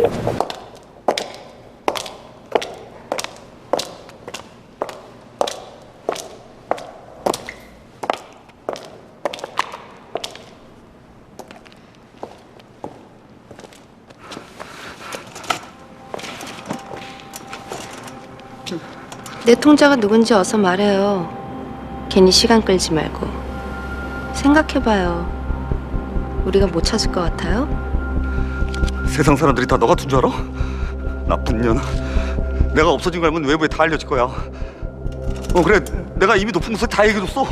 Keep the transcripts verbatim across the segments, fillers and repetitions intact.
내 통자가 누군지 어서 말해요. 괜히 시간 끌지 말고. 생각해봐요. 우리가 못 찾을 것 같아요? 세상 사람들이 다 너 같은 줄 알아? 나쁜 년. 내가 없어진 거 알면 외부에 다 알려질 거야. 어 그래, 내가 이미 높은 곳에 다 얘기해줬어.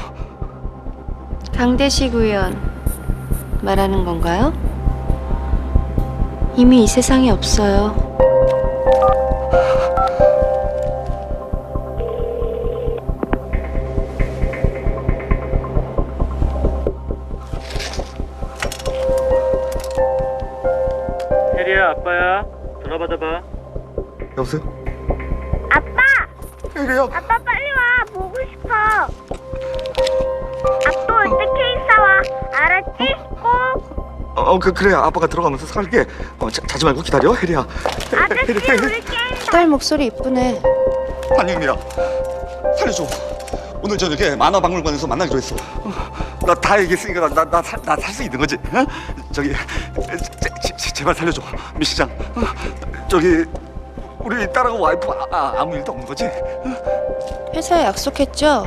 강대식 의원 말하는 건가요? 이미 이 세상에 없어요. 혜리야, 아빠야. 전화 받아봐. 여보세요? 아빠! 혜리야. 아빠 빨리 와. 보고 싶어. 아빠 올 때 케이크 사와. 알았지? 꼭. 어, 어 그, 그래, 아빠가 들어가면서 살게. 어, 자, 자지 말고 기다려, 혜리야. 아저씨 우리 게임 딸 목소리 이쁘네. 한영미야, 살려줘. 오늘 저녁에 만화박물관에서 만나기로 했어. 나 다 얘기했으니까 나 나 나 살 수 있는 거지? 어? 저기 제, 제, 제발 살려줘, 미 시장. 어? 저기 우리 딸하고 와이프 아, 아, 아무 일도 없는 거지? 어? 회사에 약속했죠?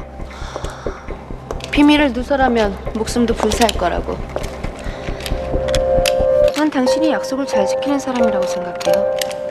비밀을 누설하면 목숨도 불사할 거라고. 난 당신이 약속을 잘 지키는 사람이라고 생각해요.